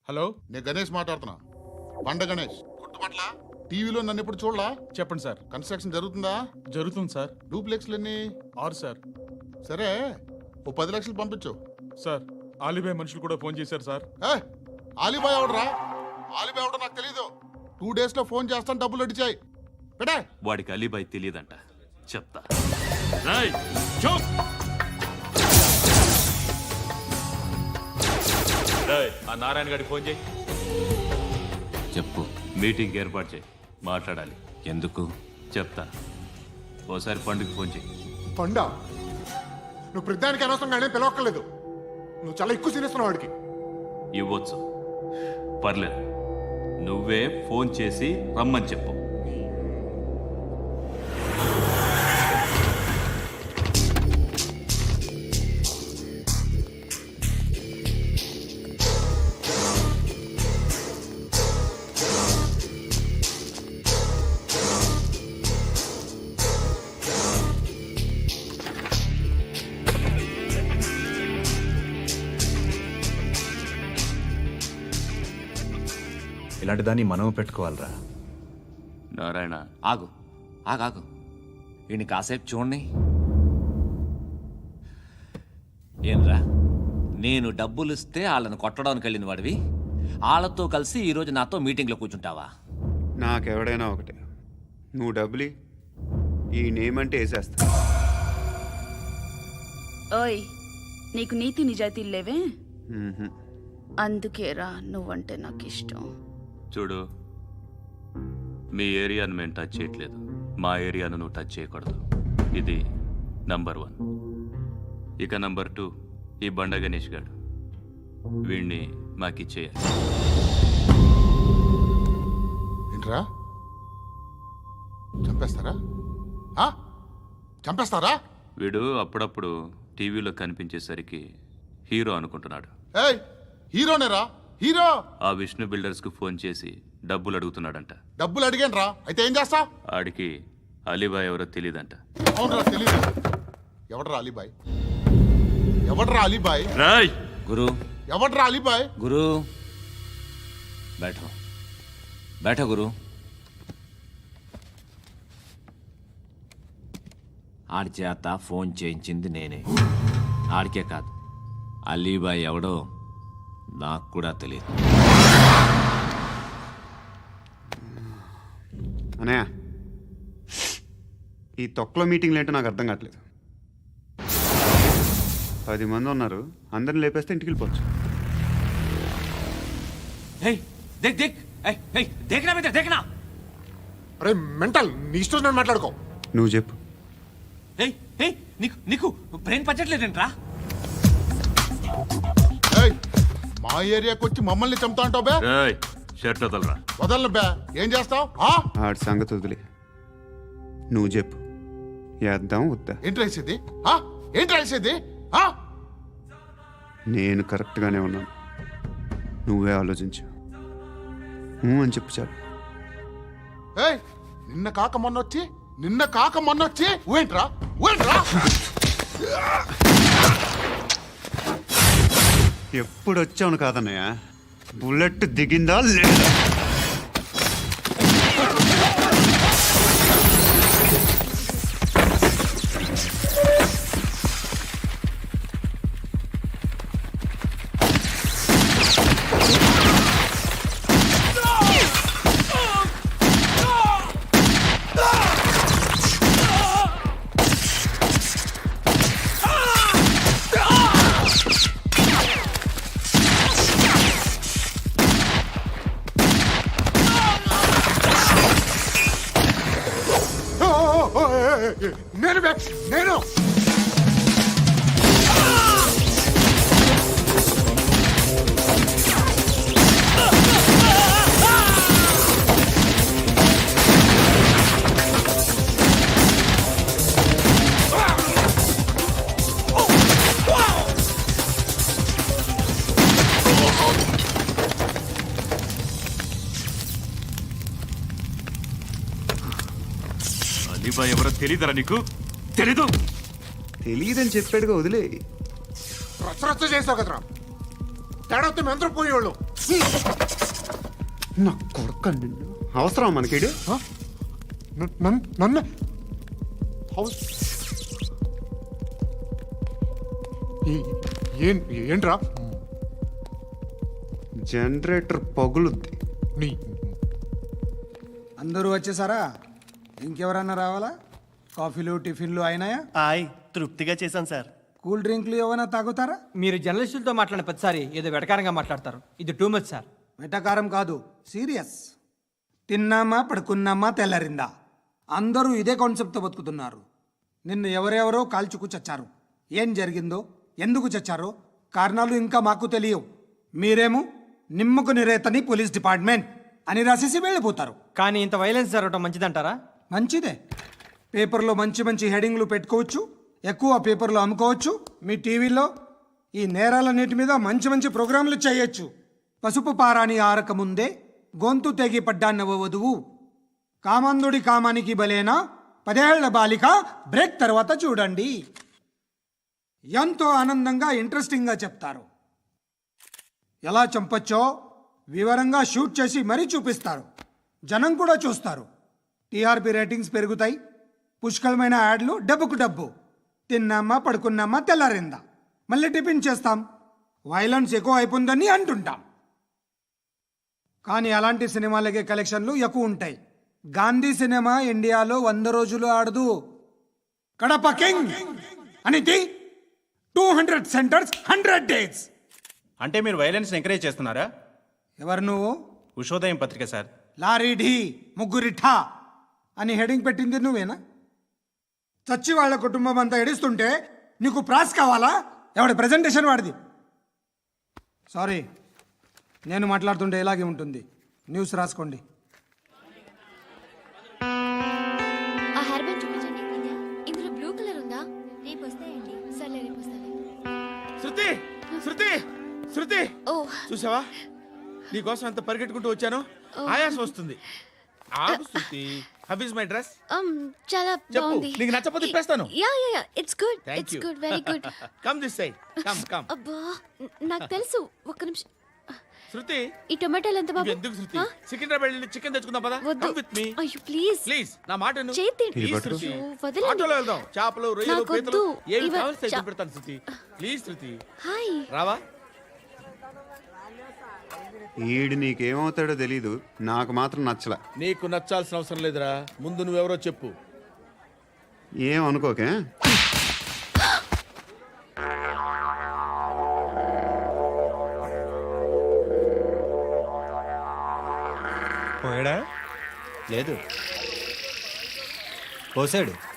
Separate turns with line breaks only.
Hello,
నేను గణేష్ మాట్లాడుతున్నా. బండ గణేష్ గుర్తుపట్ల. టీవీలో నన్ను ఎప్పుడు చూడలా?
చెప్పండి సార్.
కన్స్ట్రక్షన్ జరుగుతుందా?
జరుగుతుంది సార్.
డూప్లెక్స్లు ఎన్ని?
6 సార్.
సరే, ఓ 10 లక్షలు పంపించు.
సార్, ఆలిబాయ్ మనుషులు కూడా ఫోన్ చేశారు సార్.
ఆలిబాయ్ ఎవడరా? ఆలిబాయ్ ఎవడో నాకు తెలీదు. 2 days లో ఫోన్ చేస్తాను, డబ్బులు అడిచాయి పెడే.
వాడికి అలీబాయ్ తెలియదంట, చెప్తా. ఆ నారాయణ గారికి ఫోన్ చేయి.
చెప్పు.
మీటింగ్ ఏర్పాటు చేయి, మాట్లాడాలి.
ఎందుకు?
చెప్తా. ఓసారి పండుగ ఫోన్ చేయి.
పండా, నువ్వు ప్రతిదానికి అనవసరంగానే పిలవక్కర్లేదు. నువ్వు చాలా ఎక్కువ సీనిస్తున్నావు వాడికి.
ఇవ్వచ్చు, పర్లేదు. నువ్వే ఫోన్ చేసి రమ్మని చెప్పు.
ఇలాంటి దాన్ని మనం పెట్టుకోవాలరా.
నారాయణ,
ఆగు ఆగాగు. వీడిని కాసేపు చూడండి. ఏంరా, నేను డబ్బులు ఇస్తే వాళ్ళని కొట్టడానికి వెళ్ళిన వాడివి, వాళ్ళతో కలిసి ఈరోజు నాతో మీటింగ్లో కూర్చుంటావా?
నాకెవడైనా ఒకటే. నువ్వు డబ్బులి, ఈ నేమ్ అంటే వేసేస్తా.
ఓయ్, నీకు నీతి నిజాయితీలు లేవే?
మ్మ్హ్మ్.
అందుకేరా నువ్వంటే నాకు ఇష్టం.
చూడు, మీ ఏరియాను మేము టచ్ చేయట్లేదు, మా ఏరియాను నువ్వు టచ్ చేయకూడదు. ఇది నంబర్ 1. ఇక నంబర్ 2, ఈ బండ గణేష్ గారు. వీణ్ణి మాకిచ్చేయాలి.
ఏంట్రా, చంపేస్తారా? చంపేస్తారా?
వీడు అప్పుడప్పుడు టీవీలో కనిపించేసరికి హీరో అనుకుంటున్నాడు.
ఏయ్, హీరోనేరా, హీరో.
ఆ విష్ణు బిల్డర్స్కు ఫోన్ చేసి డబ్బులు అడుగుతున్నాడంట.
డబ్బులు అడిగాను రా, అయితే ఏం చేస్తా?
ఆడికి అలీబాయ్ ఎవరో తెలియదంట.
అవునరా, తెలీదు. ఎవడరా అలీబాయ్? ఎవడరా అలీబాయ్?
రాయ్
గురు,
ఎవడరా అలీబాయ్?
గురు బైఠో బైఠో గురు. ఆడి చేత ఫోన్ చేయించింది నేనే. ఆడికే కాదు, అలీబాయ్ ఎవడో నాకు కూడా తెలియదు.
అనయ్య, ఈ తొక్కలో మీటింగ్లు ఏంటో నాకు అర్థం కావట్లేదు. 10 మంది ఉన్నారు, అందరిని లేపేస్తే ఇంటికి వెళ్ళిపోవచ్చు.
దేక్ దేక్ దేకనా బేట దేకనా.
అరే మెంటల్, నీ ఇష్టం నేను మాట్లాడుకో.
నువ్వు చెప్పు.
నీకు నీకు బ్రెయిన్ పచ్చట్లేదంట్రా.
ఏయ్, మా ఏరియాకి వచ్చి మమ్మల్ని చంపుతా అంటావు బే?
రాయ్, షర్ట్ వదలరా.
వదలను బే. ఏం చేస్తావు?
ఆడి సంగతి వదిలే, నువ్వు చెప్పు. వేద్దాం వద్దా?
ఏంటి రాసేది? ఏంటి రాసేది?
నేను కరెక్ట్గానే ఉన్నాను, నువ్వే ఆలోచించు. అని చెప్పు చాలు.
ఏయ్, నిన్న కాక మొన్నొచ్చి ఊయంట్రా.
ఎప్పుడు వచ్చావును కాదన్నయ్య, బుల్లెట్ దిగిందా లేదా?
నేను నేను
అలీబాయ్ ఎవరో తెలీదరా నీకు? తెలీదు?
తెలియదని చెప్పాడుగా, వదిలే.
రచ్చ చేసావు కదరా. తేడా వస్తే మేము అందరం పోయేవాళ్ళు.
నా కొడుకు నిన్ను అవసరం మనకిడు.
నన్ను హౌస్ ఏంట్రా
జనరేటర్ పగులుద్ది.
నీ
అందరూ వచ్చేసారా? ఇంకెవరన్నా రావాలా? కాఫీలు టిఫిన్లు అయినాయా?
తృప్తిగా చేశాను సార్.
కూల్ డ్రింక్లు ఏమైనా తాగుతారా?
మీరు జర్నలిస్టులతో మాట్లాడిన ప్రతిసారి ఏదో వెటకారంగా మాట్లాడతారు. ఇది టూ మచ్ సార్.
వెటకారం కాదు, సీరియస్. తిన్నామా పడుకున్నామా తెల్లరిందా, అందరూ ఇదే కాన్సెప్ట్తో బతుకుతున్నారు. నిన్ను ఎవరెవరో కాల్చుకు చచ్చారు. ఏం జరిగిందో, ఎందుకు చచ్చారో కారణాలు ఇంకా మాకు తెలియవు. మీరేమో నిమ్మకు నిరేతని పోలీస్ డిపార్ట్మెంట్ అని రాసేసి వెళ్ళిపోతారు.
కానీ ఇంత వైలెన్స్ జరగటం మంచిదంటారా?
మంచిదే. పేపర్లో మంచి మంచి హెడింగ్లు పెట్టుకోవచ్చు, ఎక్కువ పేపర్లు అమ్ముకోవచ్చు. మీ టీవీలో ఈ నేరాలన్నిటి మీద మంచి మంచి ప్రోగ్రాంలు చేయొచ్చు. పసుపు పారాని ఆరక ముందే గొంతు తెగి పడ్డాన్నవ వధువు, కామందుడి కామానికి బలేనా 10 ఏళ్ల బాలిక బ్రేక్ తర్వాత చూడండి. ఎంతో ఆనందంగా ఇంట్రెస్టింగ్గా చెప్తారు. ఎలా చంపొచ్చో వివరంగా షూట్ చేసి మరీ చూపిస్తారు. జనం కూడా చూస్తారు. టీఆర్పీ రేటింగ్స్ పెరుగుతాయి. పుష్కలమైన యాడ్లు, డబ్బుకు డబ్బు. తిన్నామా పడుకున్నామా తెల్లారిందా, మళ్ళీ టిఫిన్ చేస్తాం. వైలెన్స్ ఎక్కువ అయిపోయిందని అంటుంటాం. కానీ అలాంటి సినిమాలకే కలెక్షన్లు ఎక్కువ ఉంటాయి. గాంధీ సినిమా ఇండియాలో 100 రోజులు ఆడదు. కడప కింగ్ అనేది 200 సెంటర్స్ 100 డేస్.
అంటే మీరు వైలెన్స్ ఎంకరేజ్ చేస్తున్నారా?
ఎవరు నువ్వు?
ఉషోదయం పత్రిక సార్.
లారీ ఢీ ముగ్గురిఠా అని హెడింగ్ పెట్టింది నువ్వేనా? చచ్చి వాళ్ళ కుటుంబం అంతా ఎడుస్తుంటే నీకు ప్రాస్ కావాలా? ఎవడి ప్రజెంటేషన్ వాడిది. సారీ, నేను మాట్లాడుతుంటే ఇలాగే ఉంటుంది. న్యూస్ రాసుకోండి.
ఆ హెయిర్ బ్యాండ్ చూపించండి. ఇందులో బ్లూ కలర్ ఉందా? రేపు వస్తాయండి. సర్లే రేపు వస్తాయి.
శృతి శృతి శృతి,
ఓ
చూసావా నీకోసం ఎంత పరిగెట్టుకుంటూ వచ్చాను. ఆయాసం వస్తుంది. ఆగు Shruti. How is my dress?
చాలా
చెప్పు.
బాగుంది.
నీకు నచ్చకపోతే తిప్పేస్తాను.
Yeah yeah yeah, it's good.
Thank
it's
you.
Good, very good.
Come this side. Come come.
అబ్బా, నాకు తెలుసు. ఒక్క నిమిషం.
శృతి,
ఈ టొమాటోలు ఎంత బాబు?
ఎందుకు శృతి? సికింద్రాబాద్ వెళ్ళి చికెన్ తెచ్చుకుందాం పదా.
వద్దు.
కమ్ విత్ మీ
అయ్యో ప్లీజ్
ప్లీజ్. నా మాట విను.
చేతి
Please, శృతి.
వదలండి.
ఆటోలో వెళ్దాం. చేపలు, రొయ్యలు,
నాకు
పీతలు
వద్దు.
ఏమి
ఇవ-
కావాలి
చా-
పెడతాను శృతి. Please Shruti.
హాయ్.
రావా?
ఈడు నీకేమవుతాడో తెలీదు, నాకు మాత్రం నచ్చలా.
నీకు నచ్చాల్సిన అవసరం లేదురా. ముందు నువ్వెవరో చెప్పు.
ఏం అనుకోకే.
పోయాడా? లేదు. పోసాడు.